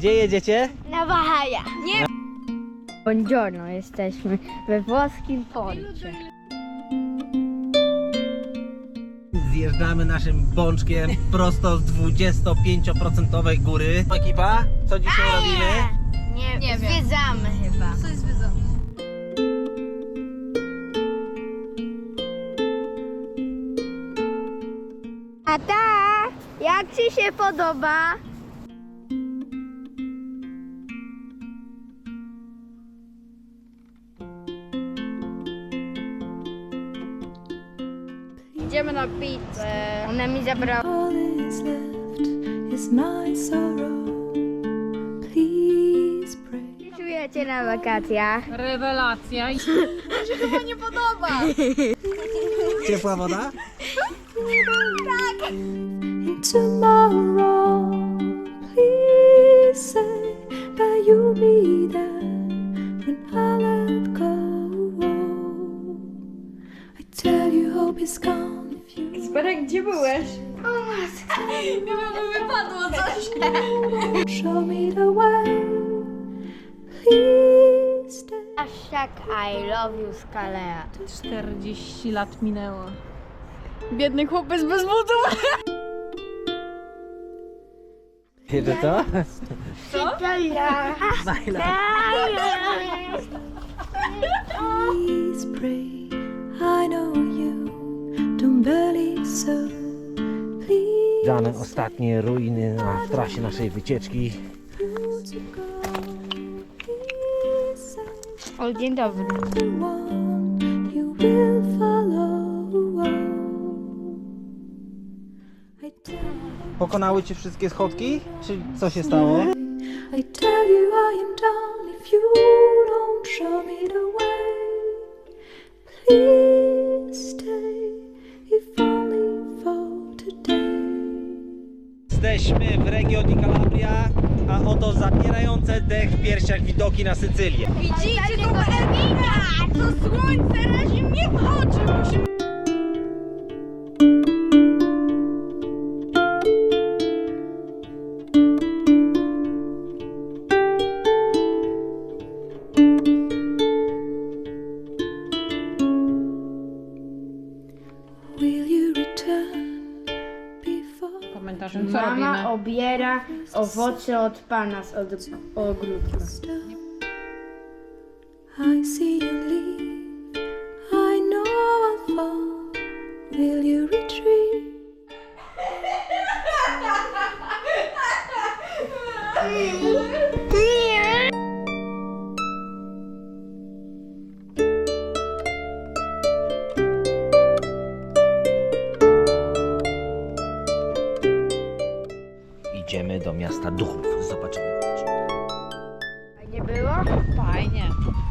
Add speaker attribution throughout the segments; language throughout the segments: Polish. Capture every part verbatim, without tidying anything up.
Speaker 1: Gdzie jedziecie?
Speaker 2: Na Bahaja. Nie. Buongiorno, jesteśmy we włoskim porcie.
Speaker 1: Zjeżdżamy naszym bączkiem prosto z dwudziestopięcioprocentowej góry. Ekipa, co dzisiaj robimy?
Speaker 2: Nie,
Speaker 3: Nie wiem.
Speaker 2: zwiedzamy chyba.
Speaker 3: Coś zwiedzamy.
Speaker 2: Tata, jak ci się podoba? Idziemy na pizzę. Ona mi zabrała.
Speaker 4: All is left is my sorrow. Please pray.
Speaker 2: Czujecie na wakacjach?
Speaker 3: Rewelacja. Mi się chyba nie podoba.
Speaker 1: Ciepła woda?
Speaker 4: In tomorrow, please say that you'll be there when I let go. I tell you hope is gone if you
Speaker 2: Sparek, gdzie byłeś?
Speaker 3: Wypadło coś.
Speaker 4: show me the way. Please stay.
Speaker 2: Hashtag I love you Skalea.
Speaker 3: czterdzieści lat minęło. Biedny chłopiec bez butów.
Speaker 1: Wiecie co?
Speaker 2: Italia.
Speaker 4: Please pray. I know you don't believe so. Please
Speaker 1: Dane ostatnie ruiny na trasie naszej wycieczki.
Speaker 4: to go. Please say
Speaker 2: O, dzień dobry.
Speaker 4: the one you will follow. I tell,
Speaker 1: Pokonały cię wszystkie schodki? Czy co się stało?
Speaker 4: I tell you I am done if you don't show me the way. Please stay, if only for today.
Speaker 1: Jesteśmy w regionie Calabria, a oto zapierające dech w piersiach widoki na Sycylię.
Speaker 3: Widzicie to Erwina? To słońce razi mnie w oczy. Musimy...
Speaker 4: Will you return before
Speaker 3: Komentarzem, co
Speaker 2: Mama
Speaker 3: robimy?
Speaker 2: obiera owoce od pana z od- ogródka.
Speaker 4: stone? I see you leave. I know I'll fall. Will you retreat?
Speaker 1: Idziemy do miasta duchów. Zobaczymy.
Speaker 2: Nie było?
Speaker 3: Fajnie.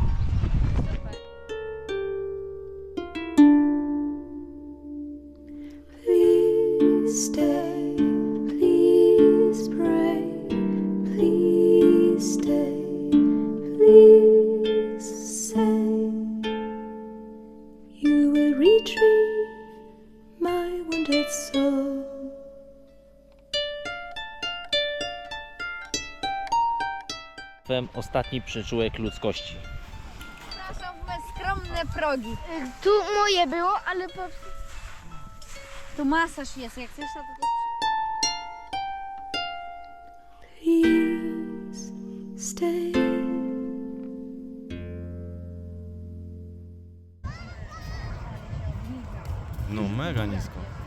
Speaker 4: Please stay. Please pray. Please stay. Please say you will retrieve my wounded soul.
Speaker 1: Ostatni przyczółek ludzkości.
Speaker 3: To są me skromne progi.
Speaker 2: Tu moje było, ale po...
Speaker 3: Tu masaż jest, jak chcesz to tutaj...
Speaker 4: Please stay.
Speaker 5: No mega nisko.